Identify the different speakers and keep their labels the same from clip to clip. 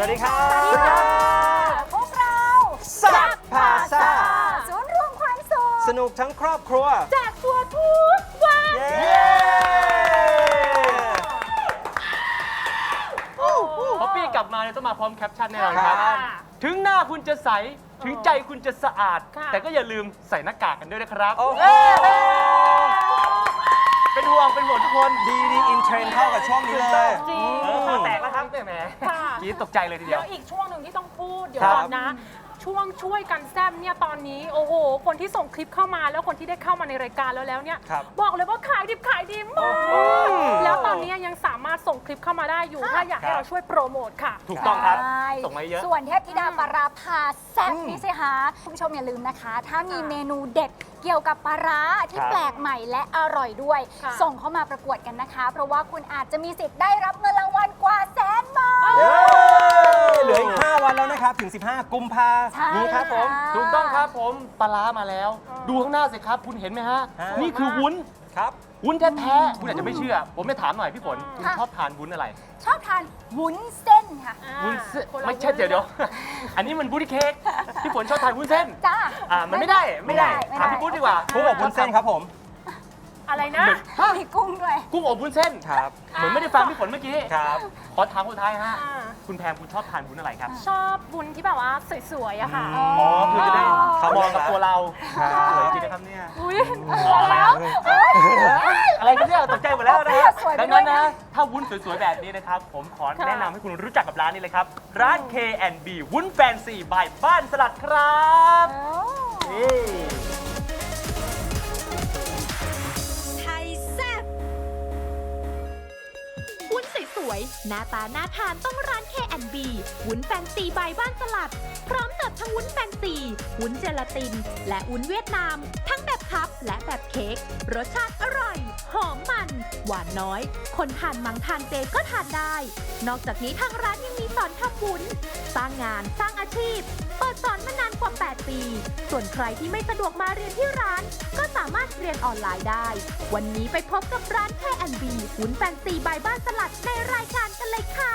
Speaker 1: วัสดีครับ
Speaker 2: สวัสดีค่ะพวกเรา
Speaker 1: แซ่บพาซ่า
Speaker 2: ศูนย์รวมความสุข
Speaker 1: สนุกทั้งครอบครัว
Speaker 2: แจกตัวทุกวัน
Speaker 1: เย้
Speaker 3: พอปี้กลับมาเนี่ยต้องมาพร้อมแคปชั่นแน่นอนครับ ถึงหน้าคุณจะใส ถึงใจคุณจะสะอาด แต่ก็อย่าลืมใส่หน้ากากกันด้วยนะครับ
Speaker 1: โอ้โห
Speaker 3: เป็นห่วงทุกคน
Speaker 1: ดีอินเทรนด์เข้ากับช่วงนี้เลย
Speaker 2: จริง
Speaker 3: คอแตกแล้วครับแหม
Speaker 4: ค่ะ
Speaker 3: กรีดตกใจเลยทีเดี
Speaker 4: แล้
Speaker 3: ยว
Speaker 4: วอีกช่วงหนึ่งที่ต้องพูดเดี๋ยว
Speaker 1: ครับ
Speaker 4: ก่อนนะ ช่วยกันแซมเนี่ยตอนนี้โอ้โหคนที่ส่งคลิปเข้ามาแล้วคนที่ได้เข้ามาในรายการแล้วเนี่ย
Speaker 1: ครับ
Speaker 4: บอกเลยว่าขายดิบขายดีมาก
Speaker 1: โอ้โห
Speaker 4: แล้วตอนนี้ยังสามารถส่งคลิปเข้ามาได้อยู่ถ้าอยากให้
Speaker 1: ครับ
Speaker 4: เราช่วยโปรโมทค่ะ
Speaker 3: ถูกต้องครับ
Speaker 2: ใช่
Speaker 3: ส่งมาเยอะ
Speaker 2: ส่วนเทพธิดาปลาร้าพาแซ่บนี่สิคะคุณผู้ชมอย่าลืมนะคะ ถ้ามีเมนูเด็ดเกี่ยวกับปลาร้าที่
Speaker 1: ครับ
Speaker 2: แปลกใหม่และอร่อยด้วย
Speaker 4: ค่ะ
Speaker 2: ส่งเข้ามาประกวดกันนะคะ เพราะว่าคุณอาจจะมีสิทธิ์ได้รับเงินรางวัลกว่า100,000 บาท
Speaker 1: เย้เหลืออีก 5 วันแล้วนะครับ ถึง 15 กุมภา
Speaker 2: ใช่
Speaker 1: นี้ครับผม
Speaker 3: ถูกต้องครับผมปลาร้ามาแล้ว ดูข้างหน้าสิครับคุณเห็นไหมฮะ
Speaker 1: ฮะ
Speaker 3: นี่คือวุ้น
Speaker 1: ครับ
Speaker 3: วุ้นแท้ๆคุณอาจจะไม่เชื่อ ผมจะถามหน่อยพี่ฝนคุณชอบทานวุ้นอะไร
Speaker 2: ชอบทานวุ้นเส้นค่ะ
Speaker 3: วุ้นเส้น
Speaker 4: คนละ
Speaker 3: ไม่ใช่เดี๋ยว อันนี้มันบุ้นเค้กพี่ฝนชอบทานวุ้นเส้น
Speaker 2: จ้า
Speaker 3: มันไม่ได้ถามพี่ปุ้นดีกว่า
Speaker 1: ผู้บอกวุ้นเส้นครับผม
Speaker 4: อะไรนะ
Speaker 2: มีกุ้งด้วย
Speaker 3: กุ้งอบวุ้นเส้น
Speaker 1: ครับ
Speaker 3: เหมือนไม่ได้ฟังพี่ฝนเมื่อกี้
Speaker 1: ครับ
Speaker 3: ขอถามคนสุดท้ายฮะ
Speaker 4: อ่า
Speaker 3: คุณแพมคุณชอบทานวุ้นอะไรครับ
Speaker 4: ชอบบุญที่แบบว่าสวยๆอะค่ะ
Speaker 3: อ๋อคือจะได้
Speaker 1: เขา
Speaker 3: ม
Speaker 1: ม
Speaker 3: อ
Speaker 1: อง ง
Speaker 3: กับ
Speaker 1: แล้ว
Speaker 3: ตัวเรา
Speaker 1: ครับ
Speaker 3: สวยจริงนะครับเนี่ย
Speaker 4: อุ้ย
Speaker 3: แล้วอะไรกันเนี่ยตกใจหมดแล้วนะครับ
Speaker 2: สวยไป
Speaker 3: ดัง
Speaker 2: ด้ว
Speaker 3: นั้
Speaker 2: ย
Speaker 3: น
Speaker 2: นะ
Speaker 3: นะถ้าวุ้นสวยๆแบบนี้นะครับผมขอแนะนำให้คุณรู้จักกับร้านนี้เลยครับ ร้าน K&B วุ้นแฟนซีบายบ้านสลัดครับนี่
Speaker 5: ไทยแซ่บวุ้นสวยๆหน้าตาน่าทานต้องร้าน K&B วุ้นแฟนซีใบบ้านสลัด พร้อมเสิร์ฟทั้งวุ้นแฟนซี วุ้นเจลาติน และวุ้นเวียดนาม ทั้งแบบคัพและแบบเค้ก รสชาติอร่อย หอมมัน หวานน้อย คนทานมังทานเจก็ทานได้ นอกจากนี้ทางร้านยังมีสอนทำวุ้น สร้างงานสร้างอาชีพ เปิดสอนมานานกว่า 8 ปี ส่วนใครที่ไม่สะดวกมาเรียนที่ร้าน ก็สามารถเรียนออนไลน์ได้ วันนี้ไปพบกับร้าน K&B วุ้นแฟนซีบายบ้านสลัดในรายการกันเลยค่ะ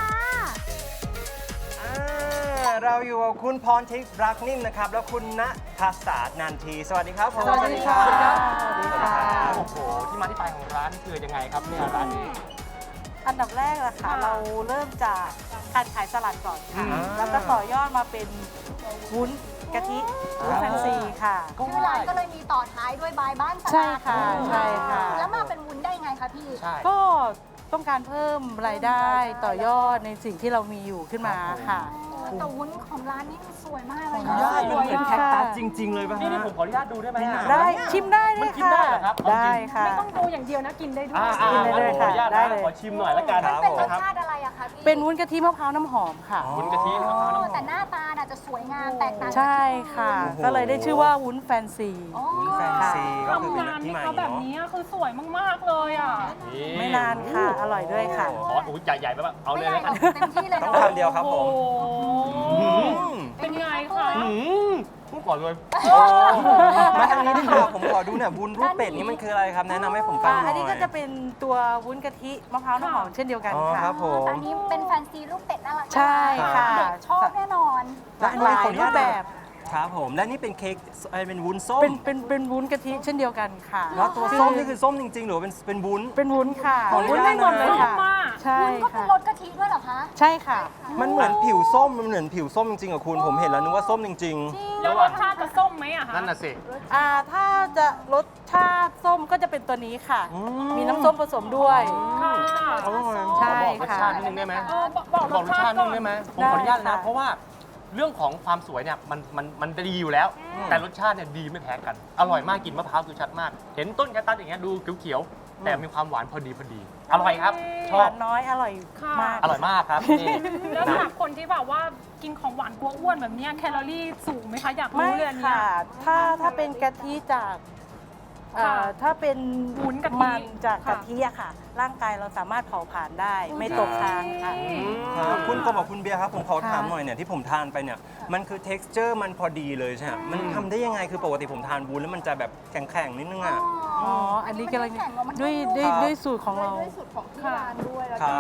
Speaker 1: เราอยู่กับคุณพรทิพย์รักนิ่มนะครับ แล้วคุณณภาษานันที สวัสดีครับผม
Speaker 2: สวัสดีครับ
Speaker 1: สวัสดีครับ
Speaker 3: โอ้โหที่มาที่ไปของร้านคือยังไงครับเนี่ยร้านนี้
Speaker 6: อันดับแรกนะคะ
Speaker 4: ค่ะ
Speaker 6: เราเริ่มจากการขายสลัดก่อนค่ะ
Speaker 1: อืม
Speaker 6: แล้วก็ต่อยอดมาเป็นวุ้นกะทิวุ้นแฟนซีค่ะ
Speaker 2: ชื่อร้านก็เลยมีต่อท้ายด้วยบายบ้านสลัด
Speaker 6: ใช่ค่ะใช่ค่ะ
Speaker 2: แล้วมาเป็นวุ้นได้ไงคะพี่
Speaker 3: ใช่
Speaker 6: ก็ต้องการเพิ่มรายได้ต่อยอดในสิ่งที่เรามีอยู่ขึ้นมาค่ะ
Speaker 2: แต่วุ้นของร้านนี้สวยมากเลย
Speaker 1: ขออนุญาตมันเหมือนแคคตัสจริง ๆ เลยป่ะ
Speaker 3: นี่
Speaker 1: ฮะ
Speaker 3: ผมขออนุญาตดูได้ไหมฮะ
Speaker 6: ได้ชิมได้เล
Speaker 3: มัน
Speaker 6: ย
Speaker 3: กิน
Speaker 6: ค่ะ
Speaker 3: ได้เหรอครับเอาจริง
Speaker 6: ได้ค่ะ
Speaker 4: ไม่ต้องดูอย่างเดียวนะกินได้ด้วย
Speaker 6: กินได้เลย
Speaker 3: ขออนุญาต
Speaker 6: ได้
Speaker 3: นะ
Speaker 6: เลย
Speaker 3: ขอชิมหน่อยละกัน
Speaker 1: ครับ
Speaker 2: เป็นร
Speaker 1: ผม
Speaker 2: สชาติอะไรอะคะพี่
Speaker 6: เป็นวุ้นกะทิมะพร้าวน้ำหอมค่ะ
Speaker 3: วุ้นกะทิมะพร้าวน้ำหอม
Speaker 2: แต่หน้าตาน่ะจะสวยงามแตกต่างจาก
Speaker 6: ใช่ค่ะ
Speaker 1: โอ้โห
Speaker 6: ก็เลยได้ชื่อว่าวุ้นแฟนซี
Speaker 2: อ๋อ
Speaker 1: วุ้นแฟนซีก็คือ
Speaker 4: ทำ
Speaker 1: เป็น
Speaker 4: งาน
Speaker 1: ที่
Speaker 4: นี่
Speaker 1: มา
Speaker 4: เขาแบบนี้คือสวยมากๆเลยอ่ะ
Speaker 6: ไม่นานค่ะ อร่อยด้วยค่ะ
Speaker 3: ขออุ้ยใหญ่ๆไปแบบเอาเลย
Speaker 2: ไม่
Speaker 3: แล้ว
Speaker 2: ใหญ่
Speaker 3: กัน
Speaker 2: เต็มที่เลย
Speaker 1: ต้อง
Speaker 2: เนาะ
Speaker 1: คำเดียวครับผม
Speaker 4: โอ้โห
Speaker 1: อืม
Speaker 4: เป็นไงคะ
Speaker 3: พูดก่อนเลย
Speaker 1: มาทางนี้ดีกว่าผมขอดูหน่อยวุ้นรูปเป็ดนี่มันคืออะไรครับ แนะนำให้ผมฟังหน่อย
Speaker 6: อันนี้ก็จะเป็นตัววุ้นกะทิมะพร้าวน้ำหอมเช่นเดียวกัน
Speaker 1: อ๋อ
Speaker 6: ค่ะ
Speaker 1: ครับผม
Speaker 2: แต่อันนี้เป็นแฟนซีรูปเป็ดน่ารัก
Speaker 6: ใช่ค่ะ
Speaker 2: เด็กชอบแน่นอน
Speaker 1: และอันนี้
Speaker 6: หลาย
Speaker 1: ขออนุ
Speaker 6: รู
Speaker 1: ญาต
Speaker 6: ปแบบ
Speaker 1: ครับผม และนี่เป็นเค้กเป็นวุ้นส้ม
Speaker 6: เป็นวุ้นกะทิเช่นเดียวกันค่ะ
Speaker 1: แล้วตัวส้มนี่คือส้มจริงๆ หรือว่าเป็นวุ้น
Speaker 6: เป็นวุ้นค่ะ
Speaker 1: ขออนุ
Speaker 6: วุ้น
Speaker 1: ญาต
Speaker 6: ไม่หมดเลยค่ะ
Speaker 4: มาก
Speaker 6: ใช่
Speaker 2: วุ้นก็เป็น
Speaker 6: ค่ะ
Speaker 2: รสกะทิด้วยเหรอคะ
Speaker 6: ใช่ค่ะ
Speaker 1: มันเหมือนผิวส้ม มันเหมือนผิวส้มจริงๆอะคุณ ผมเห็นแล้วนึกว่าส้มจริง
Speaker 4: แล้วรสชาติจะส้มไหมอะคะ
Speaker 3: นั่นน่ะสิ
Speaker 6: ถ้าจะรสชาติส้มก็จะเป็นตัวนี้ค่ะ
Speaker 1: อืม
Speaker 6: มีน้ำส้มผสมด้วย
Speaker 4: ค่ะ
Speaker 1: ๆอร่อย
Speaker 6: ใช่
Speaker 3: บอกรส
Speaker 6: ค่ะ
Speaker 3: ชาตินิดนึงได้ไหม
Speaker 4: บอก
Speaker 3: บอกรสชาตินิดนึงได้ไหมผมขออนุญาต
Speaker 6: ได้
Speaker 3: นะ
Speaker 6: ค่ะ
Speaker 3: เพราะว่าเรื่องของความสวยเนี่ยมันดีอยู่แล้ว แต่รสชาติเนี่ยดีไม่แพ้กัน อร่อยมากกลินมะพร้าวคือชัดมาก เห็นต้นแคคตัสอย่างเงี้ยดูเขียวๆแต่มีความหวานพอดีอร่อยครับช
Speaker 6: ห
Speaker 3: อบ
Speaker 6: วานน้อยอร่อยมาก
Speaker 3: อร่อยมากครับนี่
Speaker 4: แล้วสำหรับคนที่แบบว่ากินของหวานกลัวอ้วนแบบเนี้ยแคลอรี่สูงไหมคะอยาก
Speaker 6: ไม่
Speaker 4: รู้เลยอันเนี้ย
Speaker 6: ค่ะ ถ้าเป็นกะทิจาก
Speaker 4: ค่ะ
Speaker 6: ถ้าเป็น
Speaker 4: วุ้นกะทิ
Speaker 6: มันจาก
Speaker 4: ค่ะ
Speaker 6: กะทิอะค่ะ ร่างกายเราสามารถเผาผลาญได้ ไม่ตกค้างค่ะ
Speaker 1: ครับคุณกบกับคุณเบียร์ครับ ผมขอถาม
Speaker 6: ค่ะ
Speaker 1: หน่อยเนี่ยที่ผมทานไปเนี่ย มันคือ texture มันพอดีเลยใช่ไหมมันทำได้ยังไง คือปกติผมทานวุ้นแล้วมันจะแบบแข็งๆนิดนึงอะ
Speaker 6: อ๋อ อันนี้กำลัง
Speaker 2: แข็งกว่ามัน
Speaker 6: ด้วย
Speaker 1: ครับ
Speaker 6: ด้วยสูตรของเรา
Speaker 2: ด้วยสูตรของที่ร้านด้วยแล้ว
Speaker 1: ครั
Speaker 2: ก็
Speaker 1: บ
Speaker 2: แบบ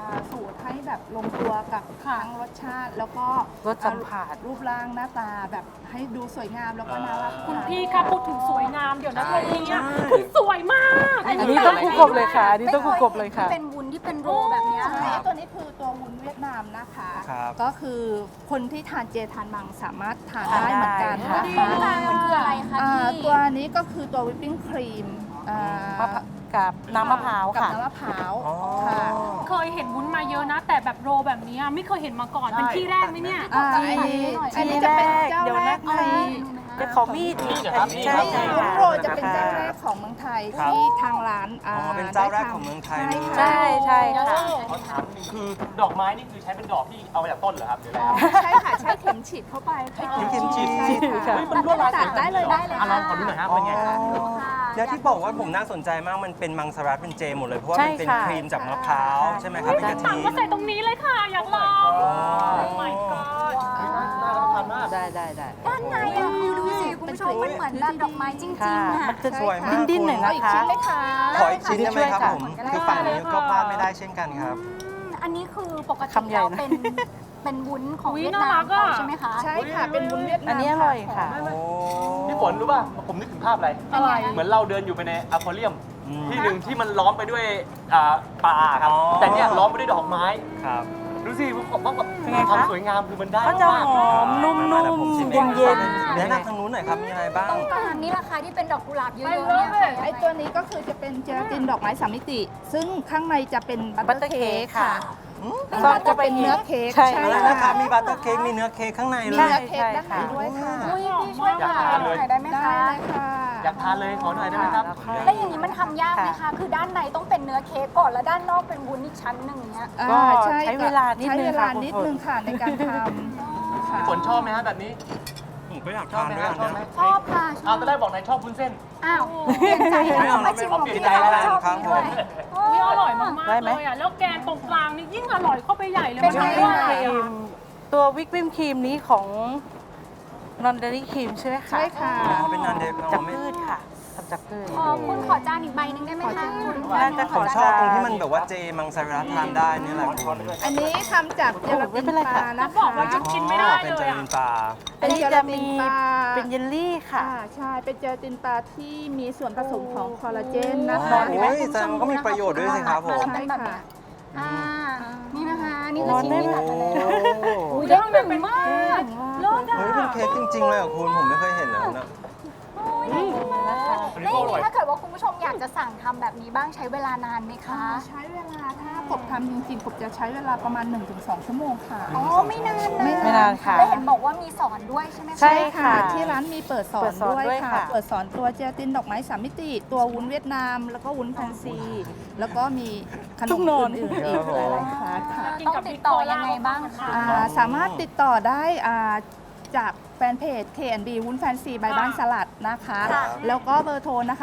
Speaker 7: สูตรให้แบบลงตัวกับทั้งรสชาติ แล้วก็
Speaker 6: รสสัมผัส
Speaker 7: รูปร่างหน้าตาแบบให้ดูสวยงามแล้วก็น่ารัก
Speaker 4: คุณพี่คะพูดถึงสวยงามเดี๋ยวนะ
Speaker 1: ใช่
Speaker 4: ตรงนี้
Speaker 1: ใช่
Speaker 4: คุณสวยมาก
Speaker 6: อันนี้ต้องคู่กบเลยค่ะอันนี้ต้องคู่กบเลยค่ะ
Speaker 2: ไม่เคยเห็นที่เป็นวุ้นที่เป็นโรแบบเนี้ย
Speaker 7: ใช่ตัวนี้คือตัววุ้นเวียดนามนะคะ
Speaker 1: ครับ
Speaker 7: ก็คือคนที่ทานเจทานมังสามารถทานได้เหมือนกัน
Speaker 6: ทาน
Speaker 7: นะ
Speaker 6: ได้
Speaker 7: คะ
Speaker 2: มันคืออะไรคะพี่
Speaker 7: ตัวนี้ก็คือตัววิปปิ้งครีม
Speaker 6: มะพร้าวกับน้ำมะพร้าว
Speaker 7: กับ
Speaker 6: ค่ะ
Speaker 7: น้ำมะพร้าว
Speaker 1: อ๋อ
Speaker 7: ค่ะ
Speaker 4: เคยเห็นวุ้นมาเยอะนะ แต่แบบโรแบบนี้ไม่เคยเห็นมาก่อนเป็นที่แรกไหมเนี่ย
Speaker 7: อันนี้จะเป็นเจ้า
Speaker 6: เดี๋ยว
Speaker 7: แร
Speaker 6: นะ
Speaker 7: กใน
Speaker 6: จะขอมีด
Speaker 3: นี่นะครับ
Speaker 6: ใช่
Speaker 7: วุ้
Speaker 6: ใช่
Speaker 7: น
Speaker 6: ค่ะ
Speaker 7: โรยจะเป็นเจ้าแรกของเมืองไทย
Speaker 1: ครับ
Speaker 7: ที่ทางร้าน
Speaker 1: อ๋อเป็นเจ้าแรกของเมืองไทยเลย
Speaker 6: ใช่ใช่ค่ะ
Speaker 3: ขอถามนิดนึงคือดอกไม้นี่คือใช้เป็นดอกที่เอามาจากต้นเหรอครับหรืออะไร
Speaker 7: อ๋อ
Speaker 3: ครับ
Speaker 7: ใช่ค่ะ ใช้เข็มฉีดเข้าไปค่ะ
Speaker 1: เข็มฉีด
Speaker 7: ใช่ค่ะ
Speaker 3: เฮ้ยมันลวดลายสวย
Speaker 7: ได้เลยได้เลย
Speaker 3: อ่ะลองขอดูหน่อยฮะเป็นไงฮะ
Speaker 1: แล้วที่บอกว่าผมน่าสนใจมากมันเป็นมังสวิรัติเป็นเจหมดเลยเพราะว่ามันเป็น
Speaker 6: ใช่ค่ะ
Speaker 1: ครีมจากมะพร้าวใช่ไหมครับเป็นกะ
Speaker 4: ตัง
Speaker 1: ทิ
Speaker 4: ก็ใส่ตรงนี้เลยค่ะ อยากลอง
Speaker 1: อ๋อ
Speaker 4: my god
Speaker 3: น่ารับประทานมาก
Speaker 6: ได้
Speaker 2: ด้านในอะคือดูสิคุณผู้ชมมันเหมือนแบบดอกไม้จริง
Speaker 6: ค่ะ
Speaker 2: ๆอะ
Speaker 6: มันจะ
Speaker 1: สวยมาก
Speaker 6: ดิ้นๆหน่อย
Speaker 7: เอา
Speaker 6: นะ
Speaker 7: อีก
Speaker 6: คะ
Speaker 7: ชิ้นไหมคะ
Speaker 1: ขออีกชิ้นได้ไหมครับ
Speaker 6: ช่วยค่ะ
Speaker 1: ผมคือฝั่งนี้ก็พลาดไม่ได้เช่นกันครับ
Speaker 2: อันนี้คือปกติ
Speaker 6: คำใหญ่
Speaker 2: เรา
Speaker 6: นะ
Speaker 2: เป็นวุ้นของ
Speaker 4: อุ๊ย
Speaker 2: เวียดนาม
Speaker 4: น่ารักอะ
Speaker 2: ใช่ไหมคะ
Speaker 7: ใช่ค่ะ เป็นวุ้นเวียดนาม
Speaker 6: อันนี้อร่อยค่ะ
Speaker 1: โอ้
Speaker 3: พี่ฝนรู้ป่ะ ผมนึกถึงภาพอะไร
Speaker 4: อะไร
Speaker 3: เหมือนเราเดินอยู่ไปในอควาเรียม
Speaker 1: อืม
Speaker 3: ที่หนึ่งที่มันล้อมไปด้วยปลาครับ
Speaker 1: อ๋อ
Speaker 3: แต่เนี่ยล้อมไปด้วยดอกไม้
Speaker 1: ครับ
Speaker 3: ดูสิว่าแบบ
Speaker 6: เป็นไงคะ
Speaker 3: ความสวยงามคือมันได้
Speaker 6: ก็จะ
Speaker 3: มาก
Speaker 6: หอมนุ่ม
Speaker 1: มาแล้วผมชิม
Speaker 6: ๆ
Speaker 1: เอง
Speaker 6: เย็น
Speaker 1: แนะนำทางนู้นหน่อยครับมีอะไรบ้าง
Speaker 2: ต้องการนี่ราคาที่เป็นดอกกุหลาบเยอะ
Speaker 4: ไป
Speaker 2: ๆ
Speaker 4: เล
Speaker 2: เนี่ย
Speaker 4: ย
Speaker 7: ไอตัวนี้ก็คือจะเป็นเจลาตินดอกไม้สามมิติ ซึ่งข้างในจะเป็นบัต
Speaker 6: บัต
Speaker 7: เต
Speaker 6: เต
Speaker 7: อ
Speaker 6: อ
Speaker 7: ร์
Speaker 6: ร์
Speaker 7: เค้
Speaker 6: เค้
Speaker 7: ก
Speaker 6: ก
Speaker 7: ค่ะ
Speaker 6: ค่ะ
Speaker 7: ก็จะเป็นเนื้อเค้ก
Speaker 6: ใช่
Speaker 1: อะไรนะครับมีบัตเตอร์เค้กมีเนื้อเค้กข้างในเล
Speaker 7: มี
Speaker 1: ย
Speaker 7: เนื้อเค้กด้านในด้วยค่ะ
Speaker 2: อุ้ยพี่ช่วย
Speaker 3: อยาก
Speaker 2: ค่ะ
Speaker 3: ทานเลย
Speaker 2: หน่อยได้ไหม
Speaker 7: ได้
Speaker 2: คะ
Speaker 7: เลยค่ะ
Speaker 3: อยากทานเลยขอหน่อยได้ไหมครับ
Speaker 2: แล้วอย่างนี้มันทำยากไหมคะ คือด้านในต้องเป็นเนื้อเค้กก่อนแล้วด้านนอกเป็นวุ้นอีกชั้นหนึ่งเนี้ย
Speaker 6: ก็
Speaker 7: ใช่
Speaker 6: ใช้เวลานิดนึง
Speaker 7: ใช้เวลา
Speaker 6: ค่ะ
Speaker 7: นิด
Speaker 6: คุณฝน
Speaker 7: นึงค่ะในการทำค่ะ
Speaker 3: ฝนชอบไหมฮะแบบนี้
Speaker 1: ผมก็อยาก
Speaker 3: ชอบ
Speaker 1: ทาน
Speaker 3: ไหม
Speaker 1: ด้วย
Speaker 3: ฮะชอบไหม
Speaker 1: นะ
Speaker 2: ชอบค่ะช
Speaker 3: เอา
Speaker 2: อบ
Speaker 3: ตอนแรกบอกนายชอบวุ้นเส้น
Speaker 2: อ้าวเปลี่ยนใจแล้วมาชิมของพี่
Speaker 1: ใจ
Speaker 2: เขา
Speaker 1: แล้ว
Speaker 2: ชอบ
Speaker 1: ครับ
Speaker 2: พี่ด้วย
Speaker 1: ผม
Speaker 4: อุ๊ยอร่อยมาก
Speaker 6: ได้
Speaker 4: ๆ
Speaker 6: ไหม
Speaker 4: เลยอ่ะ แล้วแกนตรงกลางนี่ยิ่งอร่อยเข้าไปใหญ่เลย
Speaker 2: เป็
Speaker 4: มัน น
Speaker 2: ไง
Speaker 4: ไม่
Speaker 2: วะ
Speaker 4: ไหว
Speaker 6: ครี
Speaker 4: อ่ะ
Speaker 6: มตัววิปปิ้งครีมนี้ของนอนเดอรี่ครีมใช่ไหมคะ
Speaker 7: ใช่ค่ะ
Speaker 1: อ๋อเป็นนันเด
Speaker 6: จากพืชค่ะทำจากพืช
Speaker 2: คุณขอจานอีกใบหนึ่งได้ไหมคะ
Speaker 6: น่าจะ
Speaker 1: ผมชอบตรงที่มันแบบว่าเจมังสวิรัติทานได้นี่แหละคุณ
Speaker 7: อันนี้ทำจากเจลาตินปลานะ
Speaker 4: เขาบอก
Speaker 7: คะ
Speaker 4: ว่าหยุดกินไม่ได้
Speaker 1: เป็น
Speaker 4: เล
Speaker 1: เจ
Speaker 4: ย
Speaker 1: ลิ
Speaker 4: อ่ะ
Speaker 1: นปลา
Speaker 6: อันนี้จะมีเป็นเยลลี่ค่ะ
Speaker 7: ใช่ เป็นเจลาตินปลาที่มีส่วนผสมของคอลลาเจนนะคะ
Speaker 1: โอ้ยแสดงว่าก็มีประโยชน์ด้วยสิครับผม
Speaker 2: เป็นแบบเนี้ยอ่านี่นะคะนี่คือ
Speaker 6: ร้อน
Speaker 2: ชิ้น
Speaker 6: ได้
Speaker 2: ที่
Speaker 6: ไหม
Speaker 2: ตัดมาแล้ว
Speaker 1: โอ้
Speaker 2: อุ้ยได้หนึ่งมากรสอ่ะ
Speaker 1: เฮ้ยเป็นเค้กจริงๆเลยเหรอคุณผมไม่เคยเห็นแล้วนะ
Speaker 2: แล้วอย่างนี้ถ้าเกิดว่าคุณผู้ชมอยากจะสั่งทำแบบนี้บ้างใช้เวลานานไหมคะ
Speaker 7: ใช้เวลาถ้ากบทำจริงๆกบจะใช้เวลาประมาณ 1-2 ชั่วโมงค่ะ
Speaker 2: อ๋อไม่นาน
Speaker 7: ไม่
Speaker 6: ไม่นานค่ะ
Speaker 2: แล้วเห็นบอกว่ามีสอนด้วยใช่ไหมคะ
Speaker 6: ใช่ค่ะ
Speaker 7: ที่ร้านมีเปิดสอ
Speaker 6: เปิ
Speaker 7: น
Speaker 6: ดสอน
Speaker 7: ด้วย
Speaker 6: ด้วย
Speaker 7: ค่ะ
Speaker 6: ค่ะ
Speaker 7: เปิดสอนตัวเจลาตินดอกไม้สามมิติ ตัววุ้นเวียดนาม แล้วก็วุ้นแฟนซี แล้วก็มีขน
Speaker 6: ทุ
Speaker 7: ม
Speaker 6: กนอน
Speaker 7: อื่นๆอีกหลายๆคลาสค่ะ
Speaker 2: ต้องติดต่อยังไงบ้างคะ
Speaker 7: สามารถติดต่อได้จากแฟนเพจ K&B วุ้นแฟนซีใบบ้านสลัดนะคะ
Speaker 2: ค่ะ
Speaker 7: แล้วก็เบอร์โทรนะคะ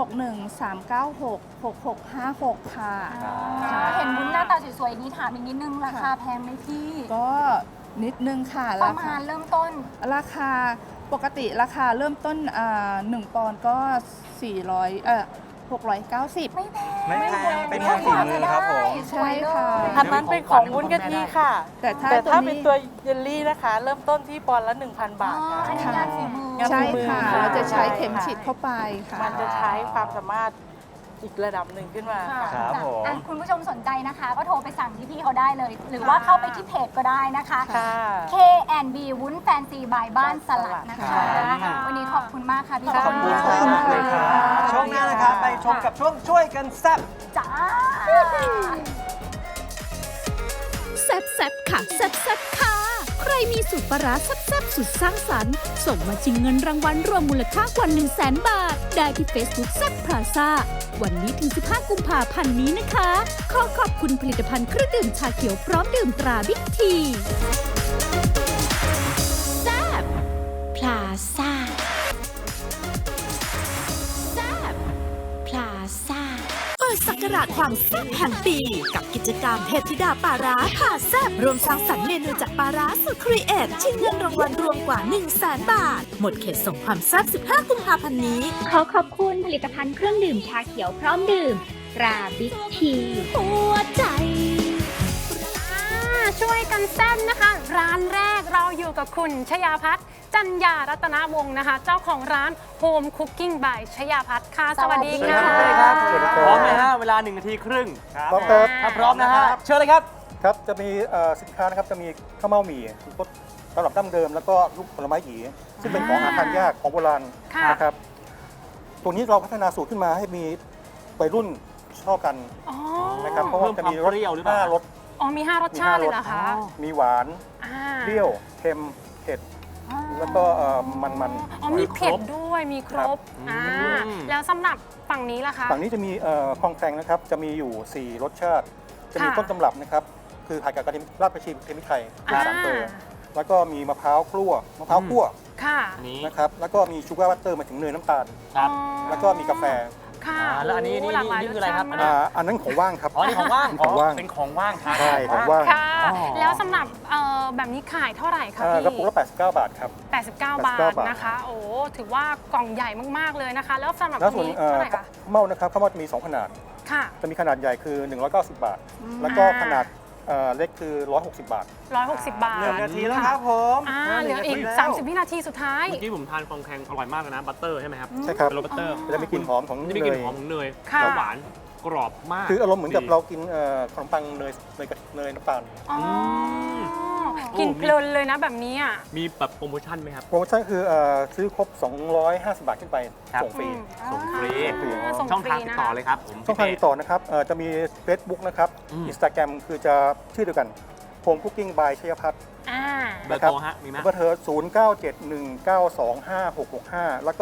Speaker 7: 061-396-6656 ค่ะ
Speaker 2: เห็นวุ้นหน้าตาสวยๆอย่างนี้ถามอีกนิดนึงราคาแพงไหมพี่
Speaker 7: ก็นิดนึงค่ะ
Speaker 2: ประมาณเริ่มต้น
Speaker 7: ราคาปกติราคาเริ่มต้น1 ปอนด์ก็690
Speaker 2: ไม่แพง
Speaker 1: ไม่แพงเป็นงานฝีมือครับผม
Speaker 2: สวยเลย
Speaker 7: ใช่ค่ะ
Speaker 6: อันนั้นเป็นของวุ้นกะทิค่ะ
Speaker 7: แต่ถ้า
Speaker 6: แต่ถ้า
Speaker 7: ตัว
Speaker 6: เป็น
Speaker 7: นี้
Speaker 6: ตัวเยลลี่นะคะ เริ่มต้นที่ปอนด์ละ 1,000 บาทค่ะ
Speaker 2: อันนี้งานฝีมือ
Speaker 6: งาน
Speaker 7: ใช่
Speaker 6: ฝีมือ
Speaker 7: ค่ะ
Speaker 6: ค่ะ
Speaker 7: เราจะใช้เข็มฉีดเข้าไปค่ะ
Speaker 6: มันจะใช้ความสามารถอีกระดับหนึ่งขึ้นมาค่ะ
Speaker 1: ครับผม
Speaker 2: อ่ะคุณผู้ชมสนใจนะคะ ก็โทรไปสั่งที่พี่เขาได้เลย หรือว่าเข้าไปที่เพจก็ได้นะคะ
Speaker 6: ค่ะ
Speaker 2: K&B วุ้นแฟนซีบายบ้านสลัดนะคะ
Speaker 6: ค่ะ
Speaker 2: วันนี้ขอบคุณมากค่ะพี่
Speaker 6: ขอบคุณ
Speaker 2: ค่ะ
Speaker 1: มากเลยครับช่วงหน้านะครับไปชมกับช่วงช่วยกันแซ่บ
Speaker 2: จ้า
Speaker 5: แซ่บแซบค่ะแซ่บแซบค่ะ ใครมีสูตรปลาร้าแซ่บแซบสุดสร้างสรรค์ ส่งมาชิงเงินรางวัลรวมมูลค่ากว่า 100,000 บาท ได้ที่ Facebook แซ่บพลาซ่าวันนี้ถึง 15 กุมภาพันธ์นี้นะคะ ขอขอบคุณผลิตภัณฑ์เครื่องดื่มชาเขียวพร้อมดื่มตราบิ๊กทีแซ่บพลาซ่าแซ่บพลาซ่า เปิดศักราชความแซ่บแห่งปีกับกิจกรรมเทพธิดาปลาร้าผ่าแซ่บรวมสร้างสรรค์เมนูจากปลาร้าสุดครีเอทชิงเงินรางวัลรวมกว่า 100,000 บาท หมดเขตส่งความแซ่บ 15 กุมภาพันธ์นี้
Speaker 8: ขอขอบคุณผลิตภัณฑ์เครื่องดื่มชาเขียวพร้อมดื่มตราบิ๊กที
Speaker 5: หัวใจ
Speaker 4: ช่วยกันแซ่บนะคะ ร้านแรกเราอยู่กับคุณชยาพัฒน์จันยารัตนวงศ์นะคะ เจ้าของร้าน Home Cooking by ชยาพัฒน์ค่ะสวัสดีค่ะ
Speaker 3: สวัสดีครับ พร้อมไหมฮะเวลา1 นาทีครึ่ง
Speaker 8: พร้อมครับ
Speaker 3: ถ้าพร้อมนะฮะเชิญเลยครับ
Speaker 8: ครับ จะมีสินค้านะครับ จะมีข้าวเม่าหมี่รสสำหรับดั้งเดิม แล้วก็ลูกผลไม้หยีซึ่งเป็นของหาทานยากของโบราณ
Speaker 4: ค่ะ
Speaker 8: นะครับ ตัวนี้เราพัฒนาสูตรขึ้นมาให้มีวัยรุ่นชอบกัน
Speaker 4: อ๋อ
Speaker 8: นะครับ เพราะว่าจะมีรส
Speaker 3: เพิ่มความเปรี้ยวหรือเปล่า
Speaker 8: 5 รส
Speaker 4: อ๋อมี 5 รสชาติเลยเหรอคะ
Speaker 8: มีหวาน
Speaker 4: อ่า
Speaker 8: เปรี้ยว เค็ม เผ็ด แล้วก็มัน
Speaker 4: อ๋อมีเผ็ดด้วยมีครบแล้วสำหรับฝั่งนี้ล่ะคะ
Speaker 8: ฝั่งนี้จะมีคลองแคงนะครับ จะมีอยู่ 4 รสชาติ จะมี
Speaker 4: ค่ะ
Speaker 8: ต้นตำรับนะครับ คือผัดกับกระเทียมราดผักชีเทมิไทยเป็น
Speaker 4: อ่า
Speaker 8: 3 เกลือแล้วก็มีมะพร้าวคั่ว
Speaker 4: ค่ะ
Speaker 3: นี้
Speaker 8: นะครับ แล้วก็มีชูการ์บัตเตอร์มาถึงเนยน้ำตาล
Speaker 3: ครับ
Speaker 8: แล้วก็มีกาแฟ
Speaker 4: ค่ะ
Speaker 3: แล้วอันนี้
Speaker 4: โหลากหลาย
Speaker 3: นี่คืออะไรครับ
Speaker 4: สชาติมาก
Speaker 8: อันนั้นของว่างครับ
Speaker 3: อ๋อนี่ของว่าง
Speaker 8: ของว่าง
Speaker 3: เป็นของว่างครับ
Speaker 8: ใช่ของว่าง
Speaker 4: ค่ะ
Speaker 3: อ๋อ
Speaker 4: แล้วสำหรับแบบนี้ขายเท่าไหร่คะพี่
Speaker 8: กระปุกละ89 บาทครับ
Speaker 4: 89 บาท
Speaker 8: บาท
Speaker 4: นะคะ โอ้ถือว่ากล่องใหญ่มากๆเลยนะคะ แล้วสำหรับ
Speaker 8: แล้วส่วน
Speaker 4: นี้เท่าไหร่คะ
Speaker 8: ข้าวเม่านะครับข้าวเม่าจะมี 2 ขนาด
Speaker 4: ค่ะ
Speaker 8: จะมีขนาดใหญ่คือ 190 บาท แล้วก็ขนาดเล็กคือ 160 บาท
Speaker 4: 160 บาท
Speaker 1: 1 นาทีแล้วครับผม
Speaker 4: เหลืออีก
Speaker 1: 1 นาทีแล้ว
Speaker 4: 30 วินาทีสุดท้าย
Speaker 3: เมื่อกี้ผมทานฟองแคงอร่อยมากเลยนะ บัตเตอร์ใช่ไหมครับ
Speaker 8: ใช่ครับ
Speaker 3: เป็นรสบัตเตอร์
Speaker 8: จะมีกลิ่นหอมของ
Speaker 3: จะมี
Speaker 8: เน
Speaker 3: กลิ่น
Speaker 8: ย
Speaker 3: หอมของเนย
Speaker 4: ค่ะ
Speaker 3: แล้วหวานกรอบมาก
Speaker 8: คืออารมณ์เหมือนกับ
Speaker 3: ดี
Speaker 8: เรากินขนมปังเนยกับเนยน้ำตาล
Speaker 4: อ๋อ
Speaker 3: ม
Speaker 4: กินเพลินเลยนะแบบนี้อ่ะ
Speaker 3: มีแบบโปรโมชั่นไหมครับ
Speaker 8: โปรโมชั่นคือซื้อครบ 250 บาทขึ้นไป
Speaker 3: ครับ
Speaker 8: ส่งฟรี
Speaker 3: ส่งฟรี
Speaker 4: ส่ง
Speaker 3: ช่อง
Speaker 4: ฟ
Speaker 3: ทาง
Speaker 4: รี
Speaker 3: ติด
Speaker 4: นะ
Speaker 3: ต่อ
Speaker 4: คะ
Speaker 3: เลยครับผม
Speaker 8: ช่องทางติดต่อนะครับจะมี Facebook นะครับ Instagram คือจะชื่อเดียวกัน Home Cooking by ชยพัฒน์
Speaker 4: อ่า
Speaker 3: เบอร์โทรฮะมีไหม
Speaker 8: เบอร์เธอ0971925665 แล้วก็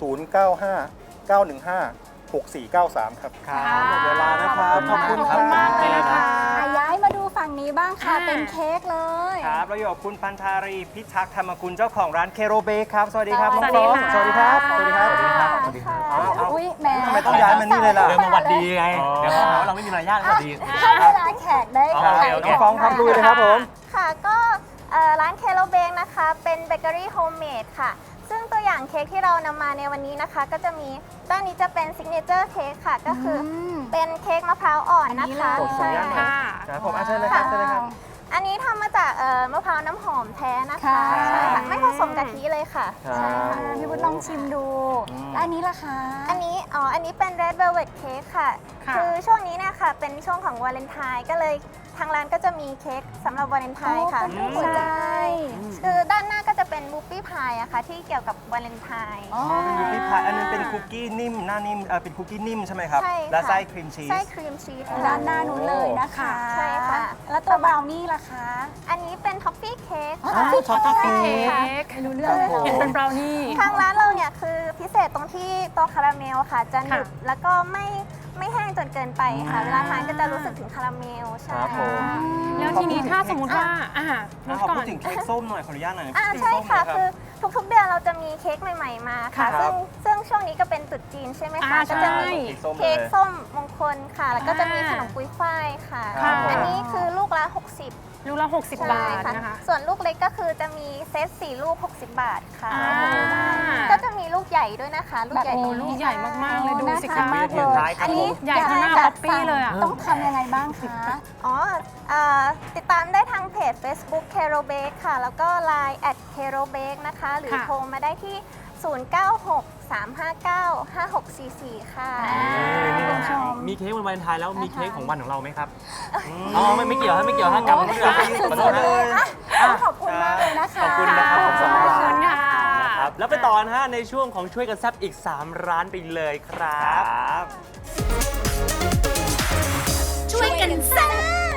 Speaker 8: 0959156493 ครับ
Speaker 1: ครับหมดเวลานะครับ
Speaker 4: ขอบคุณมากเลยนะคะ
Speaker 2: ย้ายมาดูฝั่งนี้บ้างค่ะ
Speaker 4: อ่า
Speaker 2: เป็นเค้กเลย
Speaker 1: ครับเราอยู่กับคุณพันธารีพิทักษ์ธรรมกุลเจ้าของร้านเคโรเบคครับ สวัสดีครับ
Speaker 4: สวัสดี
Speaker 1: น้อง
Speaker 4: ค่ะ
Speaker 1: สวัสดีครับ สวัสดีครับ
Speaker 2: สวัสดีค่ะ
Speaker 1: เอา
Speaker 2: อุ้ยแหม
Speaker 1: ทำไมต้องย้ายมานี่เลยล่ะ
Speaker 3: เดินมาหวัดดีไง
Speaker 1: อ๋อ
Speaker 3: เดี๋ยวเขาหาว่าเราไม่มีมารยาทสวัสดี
Speaker 2: ให้เวลาแขกได้
Speaker 3: อ๋อ
Speaker 2: ขาย
Speaker 3: โอเค
Speaker 1: น้องฟองครับลุยเลยครับผม
Speaker 9: ค่ะก็ร้านเคโลเบงนะคะเป็นเบเกอรี่โฮมเมดค่ะ ซึ่งตัวอย่างเค้กที่เรานำมาในวันนี้นะคะ ก็จะมีด้านนี้จะเป็นซิกเนเจอร์เค้กค่ะ ก็คืออเป็นเค้กมะพร้าวอ่อนนะคะ
Speaker 1: ขออนุญาตหน่อย
Speaker 4: ค่ะ
Speaker 1: ครับผมเชิญเลยครับเชิญเลยครับ
Speaker 9: อันนี้ทำมาจากมะพร้าวน้ำหอมแท้นะคะ
Speaker 2: ค่ะ
Speaker 9: ใช่ค่ะไม่ผสมกะทิเลยค่ะ
Speaker 1: ครับ
Speaker 9: ใช่ค่ะ
Speaker 2: พี่บุญลองชิมดูแล้วอันนี้ล่ะคะ
Speaker 9: อันนี้เป็น Red Velvet Cake ค่ะ
Speaker 4: ค่ะ
Speaker 9: คือช่วงนี้เนี่ยค่ะเป็นช่วงของวาเลนไทน์ก็เลยทางร้านก็จะมีเค้กสำหรับวาเลนไทน์ค่ะ
Speaker 2: เป็นรูปหัวใจ
Speaker 9: คือด้านหน้าก็จะเป็นบูปี้พายอะค่ะที่เกี่ยวกับวาเลนไทน์
Speaker 2: อ๋อ
Speaker 1: เป็นคุกกี้พายอันนั้นเป็นคุกกี้นิ่มหน้านิ่มเป็นคุกกี้นิ่มใช่ไหมครับ
Speaker 9: ใช่ค่ะ
Speaker 1: และไส้ครีมชีส
Speaker 9: ไส้ครีมชีส
Speaker 2: ด้านหน้านู้นเลยนะคะ
Speaker 9: ใช่ค่ะ
Speaker 2: แล้วตัวบราวนี่ล่ะคะ
Speaker 9: อันนี้เป็นท็อฟฟี่เค้ก
Speaker 2: อ๋อ
Speaker 9: ค่ะ
Speaker 2: ท็อฟฟี่
Speaker 4: เค้
Speaker 2: เค้ก
Speaker 4: ก
Speaker 2: ไม่รู้เรื่องเลย
Speaker 4: เห็นเป็นบราวนี่
Speaker 9: ทางร้านเราเนี่ยคือพิเศษตรงที่ตัวคาราเมลค่ะ จะหนึบ
Speaker 4: ค่ะ
Speaker 9: แล้วก็ไม่แห้งจนเกินไปค่ะ เวลาทานก็จะรู้สึกถึงคาราเมลใช่
Speaker 1: ครับผม
Speaker 4: แล้วทีนี้ถ้าสมมติว่าลด
Speaker 1: ขอ
Speaker 4: ก่อ
Speaker 1: พู
Speaker 4: น
Speaker 1: ดถึงเค้กส้มหน่อยขออนุญาตหน่อย
Speaker 9: ใช่ค่ะ
Speaker 1: เค้กส้ม
Speaker 9: คือทุกๆเดือนเราจะมีเค้กใหม่ๆมาค่ะ
Speaker 1: ครับ
Speaker 9: ซึ่งช่วงนี้ก็เป็นตรุษจีนใช่ไหมคะ
Speaker 4: ใช่
Speaker 9: ก็จะมี
Speaker 1: เค้กส้มเลย
Speaker 9: เค้กส้มมงคลค่ะ แล้วก็จะมีขนมปุยฝ้ายค่ะ
Speaker 1: ครับผม
Speaker 9: อันนี้คือลูกละ 60
Speaker 4: ลูกละ60 บาทนะคะ
Speaker 9: ส่วนลูกเล็กก็คือจะมีเซต4ลูก 60 บาทค่ะ
Speaker 4: อ่า
Speaker 9: ก็จะมีลูกใหญ่ด้วยนะคะ ลูกใหญ่
Speaker 4: โอ้
Speaker 9: ตรง
Speaker 4: ลู
Speaker 9: นี้
Speaker 4: กใหญ่มากๆเลยดูสิ
Speaker 2: น่า
Speaker 4: คะ
Speaker 2: ทานมากเลย
Speaker 1: อันนี้
Speaker 4: ใหญ่เท่าหน้า
Speaker 2: อยก
Speaker 4: ป๊อปปี้เลยอะ
Speaker 2: ต้องทำยังไงบ้างคะ
Speaker 9: อ๋อติดตามได้ทางเพจ Facebook c a r o Bake ค่ะ แล้วก็ Line c a r o Bake นะคะ หรือ
Speaker 4: ค่ะ
Speaker 9: โทรมาได้ที่ 0963595644 ค่ะ
Speaker 3: นี่นะ
Speaker 2: ชม
Speaker 3: มีเค้กวันวาเลนไทน์แล้วมีเค้กของวันของเราไหมครับ อ๋อไม่เกี่ยวฮะไม่เกี่ยวฮะกลับมาที่ร้านขอโทษนะ
Speaker 2: ขอบคุณมากเลยนะคะ
Speaker 3: ขอบคุณนะครับผมสอง
Speaker 4: ขอบคุณค่ะ
Speaker 3: ครับแล้วไปต่อนะฮะในช่วงของช่วยกันแซบอีก 3 ร้านไปเลยครับ
Speaker 5: ช่วยกันแซ่บ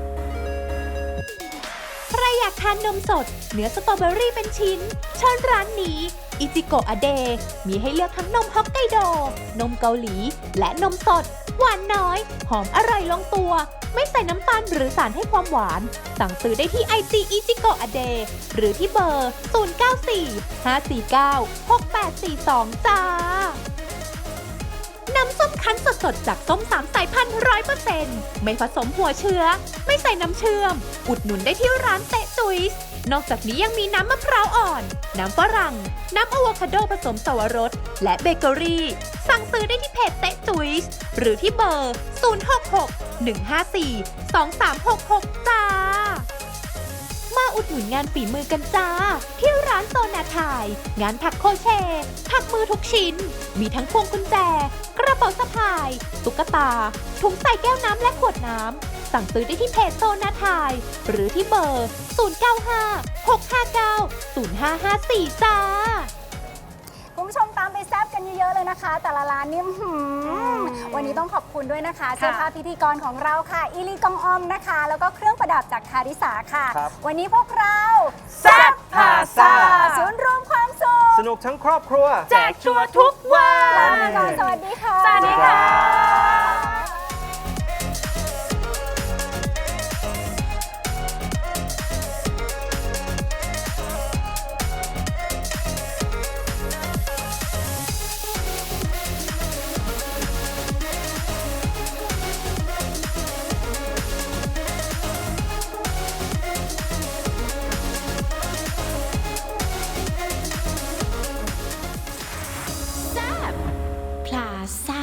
Speaker 5: ใครอยากทานนมสด เนื้อสตรอเบอรี่เป็นชิ้นเชิญร้านนี้อิจิโกะอเดมีให้เลือกทั้งนมฮอกไกโด นมเกาหลี และนมสด หวานน้อย หอมอร่อยลงตัว ไม่ใส่น้ำตาลหรือสารให้ความหวาน สั่งซื้อได้ที่ IG อิจิโกะอเดหรือที่เบอร์ 0945496842 จ้า น้ำส้มคั้นสดๆจากส้ม3 สายพันธุ์ 100% ไม่ผสมหัวเชื้อ ไม่ใส่น้ำเชื่อม อุดหนุนได้ที่ร้านเตะจุ๊ยส์นอกจากนี้ยังมีน้ำมะพร้าวอ่อน น้ำฝรั่ง น้ำอะโวคาโดผสมสวรส และเบเกอรี่ สั่งซื้อได้ที่เพจเตะจุ๊ยส์หรือที่เบอร์ 066 154 2366 จ้าอุดหนุนงานฝีมือกันจ้า ที่ร้านโซนาไทยงานถักโครเชต์ถักมือทุกชิ้น มีทั้งพวงกุญแจ กระเป๋าสะพาย ตุ๊กตา ถุงใส่แก้วน้ำและขวดน้ำ สั่งซื้อได้ที่เพจโซนาไทยหรือที่เบอร์ 0956590554 จ้า
Speaker 2: คุณผู้ชมตามไปแซบกันเยอะๆเลยนะคะ แต่ละร้านนี่วันนี้ต้องขอบคุณด้วยนะคะเสื้อผ้าพิธีกรของเราค่ะอีลีกองออมนะคะ แล้วก็เครื่องประดับจากคาริสาค่ะ
Speaker 1: ครับ
Speaker 2: วันนี้พวกเรา
Speaker 1: แซ่บพาซ่า
Speaker 2: ศูนย์รวมความสุข
Speaker 1: สนุกทั้งครอบครัว
Speaker 4: แจกชัวร์ทุกวัน
Speaker 2: ลาไปก่อนสวัสดีค่ะ
Speaker 4: สวัสดีค่ะ
Speaker 5: พลาซ่า